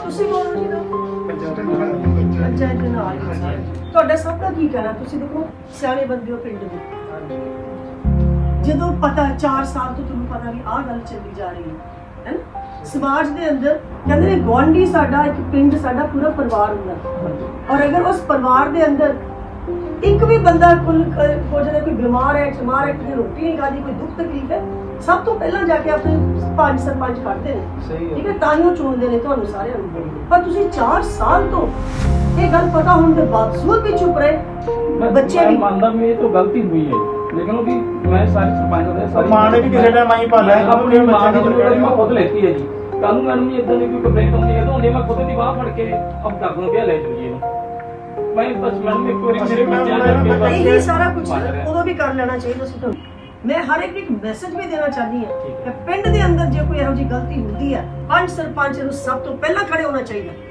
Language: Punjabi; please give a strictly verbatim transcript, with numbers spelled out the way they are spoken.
ਤੁਸੀਂ ਬੋਲੋ ਜੀ ਪੰਚਾਇਤ ਦੇ ਨਾਲ ਤੁਹਾਡਾ ਸਭ ਦਾ ਕੀ ਕਹਿਣਾ? ਤੁਸੀਂ ਦੇਖੋ ਸਿਆਣੇ ਬੰਦੇ ਹੋ ਪਿੰਡ ਦੇ, ਜਦੋਂ ਪਤਾ ਚਾਰ ਸਾਲ ਤੋਂ ਤੁਹਾਨੂੰ ਪਤਾ ਵੀ ਆਹ ਗੱਲ ਚੱਲੀ ਜਾ ਰਹੀ ਹੈ ਹੈ ਨਾ ਸਮਾਜ ਦੇ ਅੰਦਰ, ਕਹਿੰਦੇ ਨੇ ਗੁਆਂਢੀ ਸਾਡਾ ਇੱਕ ਪਿੰਡ ਸਾਡਾ ਪੂਰਾ ਪਰਿਵਾਰ ਹੁੰਦਾ, ਔਰ ਅਗਰ ਉਸ ਪਰਿਵਾਰ ਦੇ ਅੰਦਰ ਇੱਕ ਵੀ ਬੰਦਾ ਕੁੱਲ ਹੋ ਜਾਵੇ, ਕੋਈ ਬਿਮਾਰ ਹੈ ਬਿਮਾਰ ਹੈ ਕਿਸੇ ਰੋਟੀ ਨਹੀਂ ਖਾਦੀ, ਕੋਈ ਦੁੱਖ ਤਕਲੀਫ ਹੈ, ਸਭ ਤੋਂ ਪਹਿਲਾਂ ਜਾ ਕੇ ਆਪਣੇ ਪੰਜ ਸਰਪੰਚ ਕੱਢਦੇ ਨੇ, ਠੀਕ ਹੈ, ਤਾਂ ਹੀ ਉਹ ਚੁਣਦੇ ਨੇ ਤੁਹਾਨੂੰ ਸਾਰਿਆਂ ਨੂੰ। ਪਰ ਤੁਸੀਂ ਚਾਰ ਸਾਲ ਤੋਂ ਇਹ ਗੱਲ ਪਤਾ ਹੋਣ ਦੇ ਬਾਵਜੂਦ ਵੀ ਚੁੱਪ ਰਹੇ। ਬੱਚੇ ਵੀ ਮੰਨਦਾ ਮੈਂ ਇਹ ਤਾਂ ਗਲਤੀ ਹੋਈ ਹੈ, ਲੇਕਿन वो कि मैं सारे सरपंच ਦੇ ਸਾਰੇ ਮਾਂ ਨੇ ਵੀ ਕਿਸੇ ਟਾਈਮ ਆਈ ਭਾਲਿਆ ਆਪਣੀ ਮਾਂ ਦੀ ਜ਼ਿੰਮੇਵਾਰੀ ਮੈਂ ਖੁਦ ਲੈਤੀ ਹੈ ਜੀ। ਕੱਲ ਨੂੰ ਮੈਨੂੰ ਇਦਾਂ ਦੀ ਕੋਈ ਕੰਪਲੇਂਟ ਆਉਂਦੀ ਹੈ ਤਾਂ ਉਹਨੇ ਮੈਂ ਖੁਦ ਦੀ ਬਾਹ ਫੜ ਕੇ ਅਬ ਡਾਕ ਨੂੰ ਪਿਆ ਲੈ ਜੂਗੀ ਇਹਨੂੰ। ਮੈਂ ਬਸ ਮੈਨੂੰ ਇੱਕ ਵਾਰੀ ਮੇਰੇ ਬੱਚਿਆਂ ਦੇ ਇਹ ਸਾਰਾ ਕੁਝ ਉਦੋਂ ਵੀ ਕਰ ਲੈਣਾ ਚਾਹੀਦਾ ਸੀ ਤੁਹਾਨੂੰ। ਮੈਂ ਹਰ ਇੱਕ ਇੱਕ ਮੈਸੇਜ ਵੀ ਦੇਣਾ ਚਾਹਦੀ ਹਾਂ ਕਿ ਪਿੰਡ ਦੇ ਅੰਦਰ ਜੇ ਕੋਈ ਇਹੋ ਜਿਹੀ ਗਲਤੀ ਹੁੰਦੀ ਹੈ, ਪੰਜ ਸਰਪੰਚ ਨੂੰ ਸਭ ਤੋਂ ਪਹਿਲਾਂ ਖੜੇ ਹੋਣਾ ਚਾਹੀਦਾ।